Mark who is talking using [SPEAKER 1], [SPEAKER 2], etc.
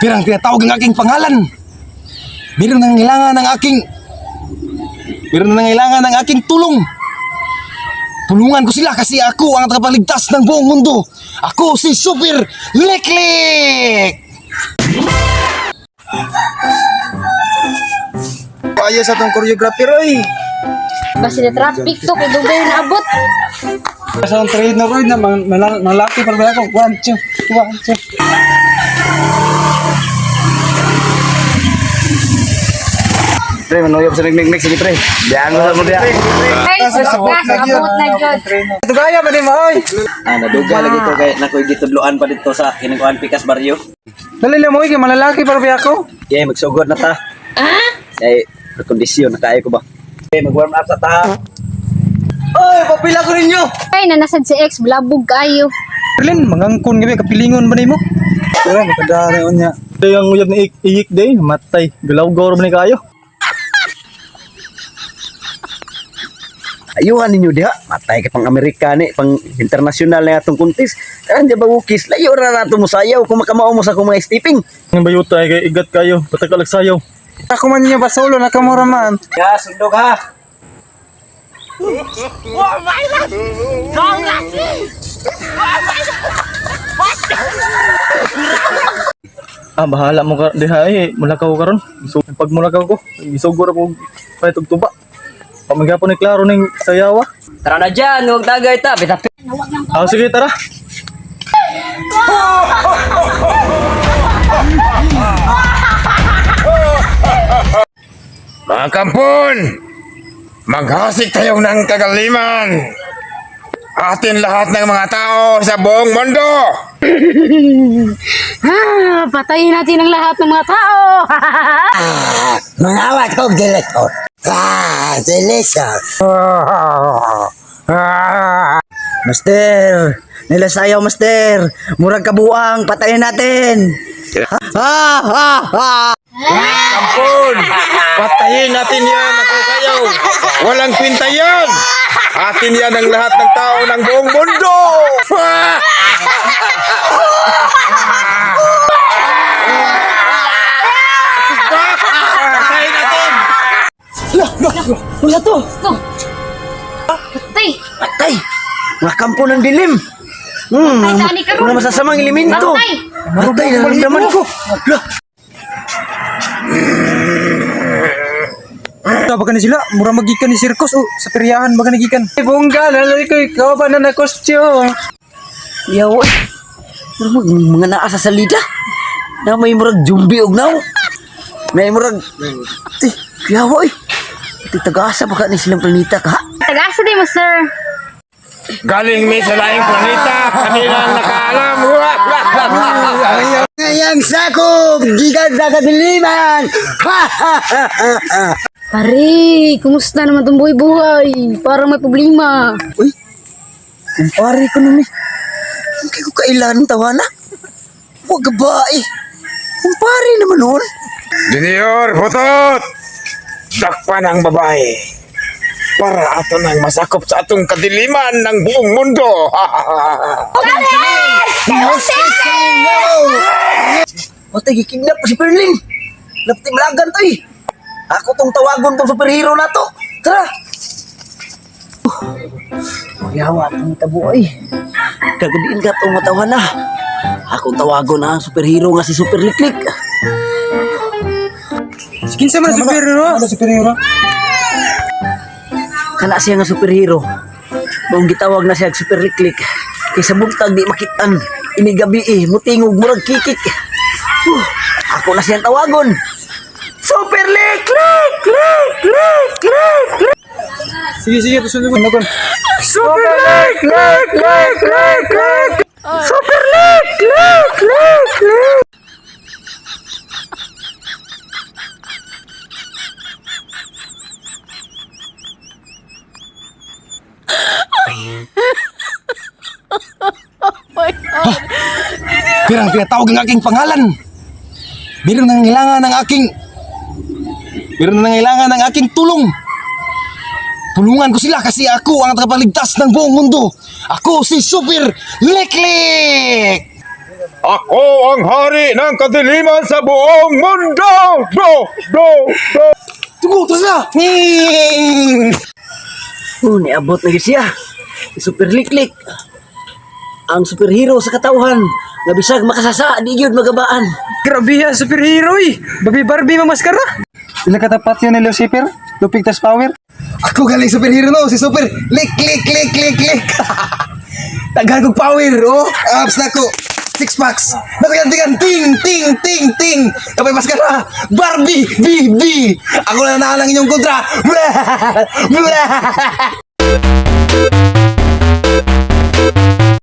[SPEAKER 1] Pirang tinatawag ang aking pangalan. Meron nang nangailangan ng aking tulong. Tulungan ko sila kasi ako ang tagapagligtas ng buong mundo. Ako si Super Liklik! Ayos sa tong choreographer oy.
[SPEAKER 2] Basta na traffic to, kay dugay na abot.
[SPEAKER 1] Sa train na roy na malaki para ba ako. 1, 2, 1, 2. Pre, manuyop sa nagmigmig sige pre. Diyan mo sa mo diya.
[SPEAKER 2] Ay, abot na jud.
[SPEAKER 1] Ito kaya ba ni mo oy?
[SPEAKER 3] Naduga lagi to kay nakoy gitudloan pa dito sa kinukuan Pikas Barrio.
[SPEAKER 1] Dali mo oy kay malalaki para ba ako.
[SPEAKER 3] Kaya magsugod na ta. Kay kondisyon nakaay ko ba. Okay, mag-warm up sa ta. Oy, papila ko ninyo.
[SPEAKER 2] Ay, nanasad si ex, blabog kayo.
[SPEAKER 1] Erlin, mangangkon gabi kapilingon ba nimo? Pero makadari unya. Yung uyab na iyik day, matay. Galaw-gaw ba ni kayo?
[SPEAKER 3] Ayuhan ninyo diha. Matay ka pang Amerikani, pang international na atong kuntis. Karan di ba wukis? Layo ra nato mo sayaw kung makamao mo sa akong mga stepping.
[SPEAKER 1] Ang bayuta ay kay igat kayo, patagalag sayaw. Ako man niya ba solo nakamura man.
[SPEAKER 3] Ya, sundog ha.
[SPEAKER 1] Bahala mo ka diha mulakaw karon. So pag mulakaw ko, isugod ako pa tuba. Pamagapon ni klaro ning sayawa.
[SPEAKER 3] Tara na dyan, huwag tagay ta. Bitapit.
[SPEAKER 1] Sige tara.
[SPEAKER 4] Mga kampon, maghasik tayo ng kagaliman. Atin lahat ng mga tao sa buong mundo.
[SPEAKER 2] Patayin natin ang lahat ng mga tao.
[SPEAKER 5] Mangawat ko deletor. Delicious. Master, nilasayaw master. Murag kabuang, patayin natin.
[SPEAKER 4] Kampon, patayin natin yan ako kayo. Walang kwinta yan. Atin yan ang lahat ng tao ng buong mundo. Patayin natin.
[SPEAKER 5] Wala to.
[SPEAKER 2] Tay,
[SPEAKER 5] Patay. Mga kampo ng dilim.
[SPEAKER 2] Patay, tani ka ron.
[SPEAKER 5] Wala masasamang elemento.
[SPEAKER 2] Patay.
[SPEAKER 5] Patay na naman ko.
[SPEAKER 1] Baga ni sila, mura magikan ni sirkus sa peryahan baga nagikan. Bongga, nalay ko ikaw ba na costume.
[SPEAKER 5] Yaw. Mga naa sa salida. Na may murag jumbi og naw. May murag. Yaw. Tagasa pa ka ni silang planeta ka.
[SPEAKER 2] Tagasa din mo, sir.
[SPEAKER 4] Galing may sa laing planeta. Kanilang nakaalam.
[SPEAKER 5] Ngayang sakop, gigan sa kadiliman.
[SPEAKER 2] Pare, kumusta naman itong buhay-buhay? Parang may problema.
[SPEAKER 5] Kumpare ko naman. Hindi ko kailan tawana. Huwag ba eh. Kumpare naman nun.
[SPEAKER 4] Junior, putot! Dakpan ang babae para ato nang masakop sa atong kadiliman ng buong mundo.
[SPEAKER 5] Patay, gikidnap ko si Perlin. Lapti malagan to eh. Ako tong tawagon tong superhero na to. Tara. Yawa itong tabuay. Kagadiin ka itong matawa na. Akong tawagon na ang superhero nga si Super Liklik.
[SPEAKER 1] Kinsa man superhero? Ano superhero?
[SPEAKER 5] Kana siya nga superhero. Noong gitawag na siya Super Liklik. Kaysa buntag di makitan. Inigabi mutingog murag kikik. Ako na siyang tawagon. Super Liklik!
[SPEAKER 1] Sige, susunod ko.
[SPEAKER 5] Super Liklik! Super Liklik!
[SPEAKER 1] Pirang tinatawag ang aking pangalan. Meron nang nangailangan ng aking tulong. Tulungan ko sila kasi ako ang tagapagligtas ng buong mundo. Ako si Super Liklik!
[SPEAKER 4] Ako ang hari ng kadiliman sa buong mundo!
[SPEAKER 3] Tunggu, terus na!
[SPEAKER 5] Niabot na gyud siya. Super liklik. Ang superhero sa katawhan. Nga bisag makasasa, di gyud magabaan.
[SPEAKER 6] Grabe yan, superhero eh. Babi Barbie mamaskara.
[SPEAKER 1] Sila katapat yun ni Lucifer. Lupigtas power.
[SPEAKER 3] Ako galing superhero no, si Super. Lik. Taghagog power, oh. Abs na ko. Six packs. Natagantigan, ting. Kapay maskara. Barbie, B. Ako na naalang inyong kontra.